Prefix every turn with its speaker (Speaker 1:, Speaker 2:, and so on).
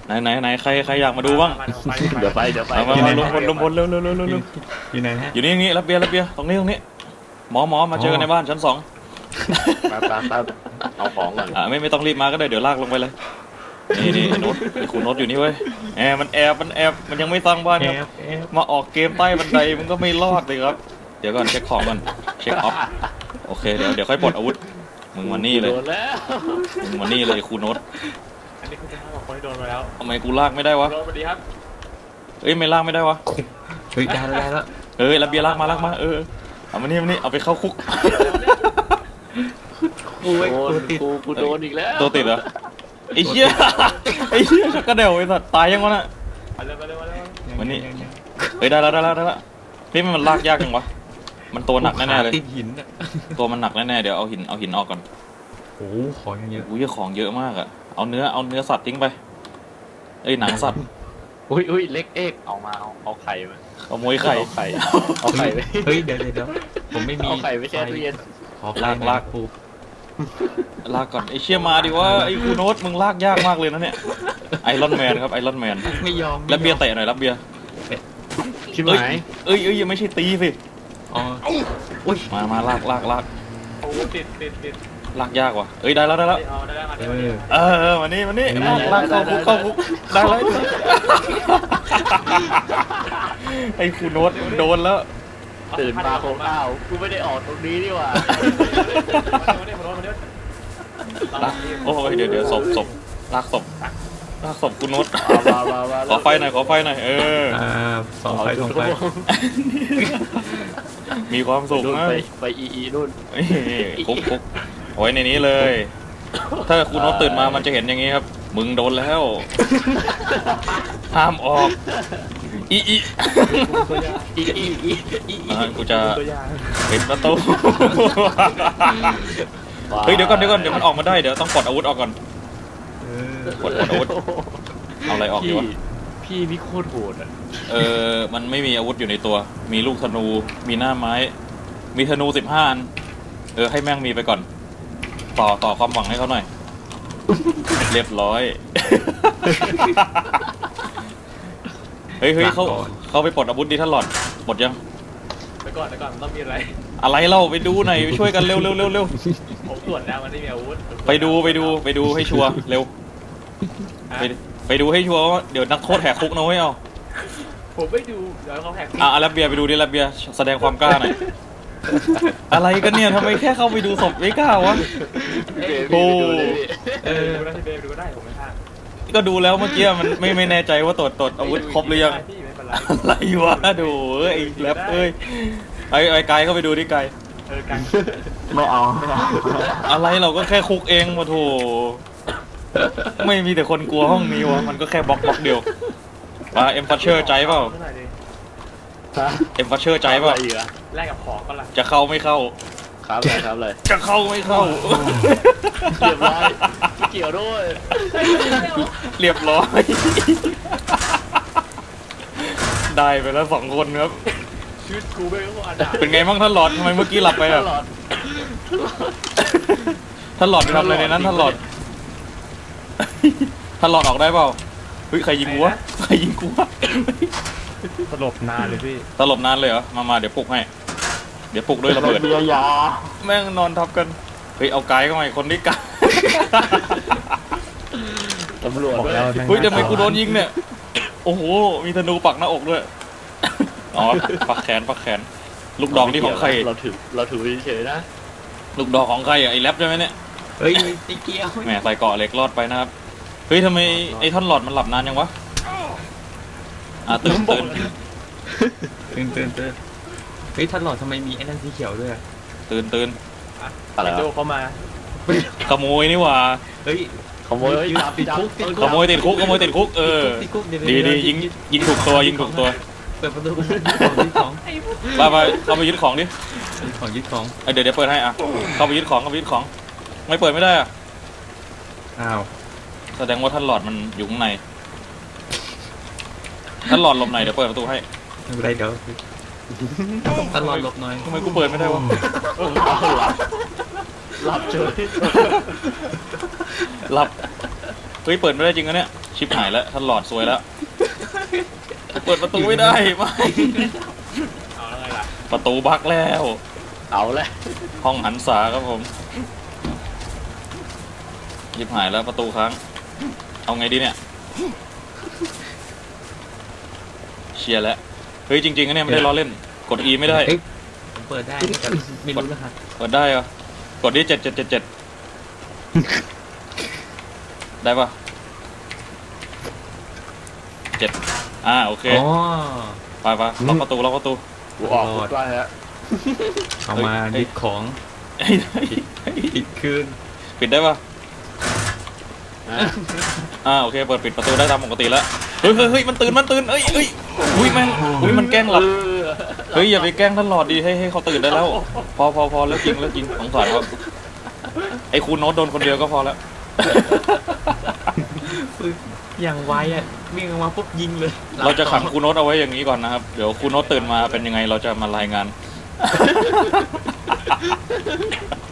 Speaker 1: ไหนใครอยากมาดูบ้าง
Speaker 2: เดี๋ยวไป
Speaker 1: มาลงพลเร็ว
Speaker 3: อยู่ไหนฮะ
Speaker 1: อยู่นี่รับเบียร์ตรงนี้หมอมาเจอกันในบ้านชั้น 2
Speaker 2: แป๊บเอาของก่อน
Speaker 1: ไม่ต้องรีบมาก็ได้เดี๋ยวลากลงไปเลยนี่โน้ตคุณโน้ตอยู่นี่เว้ยมันแอบมันยังไม่สร้างบ้านครับมาออกเกมใต้บันไดมันก็ไม่รอดเลยครับเดี๋ยวก่อนเช็คของก่อนเช็คออฟโอเคเดี๋ยวค่อยปลดอาวุธมึงมานี่เลยคุณโน้ต
Speaker 4: อันนี้คุณจะบอกคนที่โดนมาแล้ว
Speaker 1: ทำไมกูลากไม่ได้วะ
Speaker 4: สวัสดีครับ
Speaker 1: ไม่ลากไม่ได้วะ
Speaker 3: ได้แล้ว
Speaker 1: รับเบียร์ลากมาเอามานี่เอาไปเข้าคุก
Speaker 2: กูโดนอีกแล้ว
Speaker 1: ตัวติดเหรอไอ้เหี้ยชักกระเดี่ยวไอ้สัตว์ตายยังวะน่ะมานี่ได้แล้วพี่มันลากยากจังวะมันตัวหนักแน่ๆเลย
Speaker 3: ติดหิน
Speaker 1: ตัวมันหนักแน่ๆเดี๋ยวเอาหินออกก่อน
Speaker 3: โอ้ของเยอะ
Speaker 1: ของเยอะมากอะเอาเนื้อสัตว์ทิ้งไปหนังสัตว์
Speaker 2: อุ้ยเล็กเอกเอาไข่มา
Speaker 1: เอามวยไข่
Speaker 2: เอาไข่ไป
Speaker 3: เดี๋ยวผมไม่มี
Speaker 2: เอาไข่ไปแช่ตู้เย็น
Speaker 1: ลากปูลากก่อนไอ้เชี่ยมาดิว่าไอ้คูโนตมึงลากยากมากเลยนะเนี่ยไอรอนแมนครับไอรอนแมน
Speaker 3: ไม่ยอม
Speaker 1: แล้วเบียร์เตะหน่อยรับเบียร์
Speaker 2: ชิบหาย
Speaker 1: ยังไม่ใช่ตีสิมาลาก
Speaker 4: โอ้ติด
Speaker 1: ลากยากว่ะได้แล้วมานี่ลากเข้าคุกได้แล้วไอ้คูโนตโดนแล้ว
Speaker 2: ตื่นมาโค้งกูไม่ได้ออกตรงนี้นี่หว่า
Speaker 1: โอ้ยเดี๋ยวศพลากศพคุณนุชขอไฟหน่อย
Speaker 3: ส่องไฟ
Speaker 1: มีความสุขนะ
Speaker 2: ไปนู่น
Speaker 1: คุกไว้ในนี้เลยถ้าคุณนุชตื่นมามันจะเห็นอย่างนี้ครับมึงโดนแล้วห้ามออกกูจะปิดประตูเดี๋ยวก่อนเดี๋ยวมันออกมาได้เดี๋ยวต้องปลดอาวุธออกก่อนปลดอาวุธเอาอะไรออกดีวะ
Speaker 2: พี่นี่โคตรโหด
Speaker 1: มันไม่มีอาวุธอยู่ในตัวมีลูกธนูมีหน้าไม้มีธนู15 อันให้แม่งมีไปก่อนต่อความหวังให้เขาหน่อยเรียบร้อยเฮ้ยเขาไปปลดอาวุธดิท่านหลอดปลดยัง
Speaker 4: ไปก่อนต้องมีอะไร
Speaker 1: เราไปดูหน่อยช่วยกันเร็ว
Speaker 4: ผมตรวจแล้วมันไม่มีอาวุธ
Speaker 1: ไปดูให้ชัวร์เร็วไปดูให้ชัวร์ว่าเดี๋ยวนักโทษแหกคุกนะเว้ย
Speaker 4: ผมไม่ดูเดี๋ยวเขาแหก
Speaker 1: รับเบียร์ไปดูดิรับเบียร์แสดงความกล้าหน่อยอะไรกันเนี่ยทำไมแค่เข้าไปดูศพไม่กล้าวะ
Speaker 4: โอ้ดูได้ผมไม่พลาด
Speaker 1: ก็ดูแล้วเมื่อกี้มันไม่แน่ใจว่าตรวจอาวุธครบหรือยังอะไรวะดูไอ้แรปไอ้ไกลเข้าไปดูดิไกล
Speaker 2: ไม่เอา
Speaker 1: อะไรเราก็แค่คุกเองมาโถไม่มีแต่คนกลัวห้องนี้วะมันก็แค่บล็อกเดียวเอ็มฟัชเชอร์ใจเปล่าเอ็มฟัชเชอร์ใจเปล่า
Speaker 4: แลกกับของก็ละ
Speaker 1: จะเข้าไม่เข้า
Speaker 2: ครับเลย
Speaker 1: จะเข้าไม่เข้า
Speaker 2: เรียบร้อยเกี่ยวด้วย
Speaker 1: เรียบร้อยได้ไปแล้ว2 คนครับ
Speaker 4: ชีวิตกูไม่รู้
Speaker 1: เป็นไงบ้างท่านหลอดทำไมเมื่อกี้หลับไปอ่ะท่านหลอดไปทำอะไรในนั้นท่านหลอดออกได้เปล่าใครยิงกูวะ
Speaker 4: ตลบนานเลยพี่
Speaker 1: ตลบนานเลยเหรอมาเดี๋ยวปลุกให้เดี๋ยวปลุกด้วยระเบิดแม่งนอนทับกันเอาไกด์เข้ามาคนนี้กัน
Speaker 2: ตำรวจ
Speaker 4: แล้ว
Speaker 1: ทำไมกูโดนยิงเนี่ยโอ้โหมีธนูปักหน้าอกด้วยปักแขนลูกดอกนี่ของใคร
Speaker 2: เราถือเฉยนะ
Speaker 1: ลูกดอกของใครไอ้แรปใช่ไหมเนี่ย
Speaker 3: ไอ้เกี้ยว
Speaker 1: แหมใส่เกาะเหล็กรอดไปนะครับทำไมไอ้ท่อนหลอดมันหลับนานยังวะตื่น
Speaker 3: ท่านหลอดทำไมมีไอ้นั่นสีเขียวด้วย
Speaker 1: ตื่น
Speaker 4: อะไรดูเข้ามา
Speaker 1: ขโมยนี่หว่า
Speaker 2: ขโมย
Speaker 1: ติดคุกติดคุกดียิงถูกตัว
Speaker 3: เปิดประตูของ
Speaker 1: เข้าไปยึดของดิ
Speaker 3: ยึดของ
Speaker 1: เดี๋ยวเปิดให้เข้าไปยึดของไม่เปิดไม่ได้
Speaker 3: อ้าว
Speaker 1: แสดงว่าท่านหลอดมันอยู่ข้างในท่านหลอดหลบไหนเดี๋ยวเปิดประตูให้
Speaker 3: ไม่เป็นไรเดี๋ยวท่านหลอดหลบหน่อย
Speaker 1: ทำไมกูเปิดไม่ได้วะ
Speaker 2: หลับเฉย
Speaker 1: หลับเปิดไม่ได้จริงนะเนี่ยชิบหายแล้วท่านหลอดซวยแล้วเปิดประตูไม่ได้ไม่
Speaker 4: เอาแล้วไงล่ะ
Speaker 1: ประตูบั๊กแล้ว
Speaker 2: เอาละ
Speaker 1: ห้องหันษาครับผมชิบหายแล้วประตูค้างเอาไงดีเนี่ยเชียร์แล้วเฮ้ยจริงๆนะเนี่ยไม่ได้ล้อเล่นกด E ไม่ได้
Speaker 3: เอ้ยผมเปิดได้แต่ไม่รู้รหัส
Speaker 1: เปิดได้เหรอ กดที่7 7 7 7 ได้ปะ7โอเค
Speaker 3: อ๋อ
Speaker 1: ไปล็อกประตูล็อกประตู
Speaker 2: กูออกกูได้ฮะ
Speaker 3: เอามาดิบของ
Speaker 1: เฮ้ย
Speaker 3: ปิดคืน
Speaker 1: ปิดได้ปะโอเค เปิดปิดประตูได้ตามปกติแล้ว เฮ้ย มันตื่นเอ้ยอุ้ยแม่งอุ้ย มันแกล้งหลับ เฮ้ย อย่าไปแกล้งท่านหลอดดี ให้เขาตื่นได้แล้ว พอแล้วจริงสงสารเขาไอ้ครูโน้ตโดนคนเดียวก็พอแล้ว
Speaker 3: อย่างไวอ่ะวิ่งออกมาปุ๊บยิงเลย
Speaker 1: เราจะขังครูโน้ตเอาไว้อย่างนี้ก่อนนะครับ เดี๋ยวครูโน้ตตื่นมาเป็นยังไงเราจะมารายงาน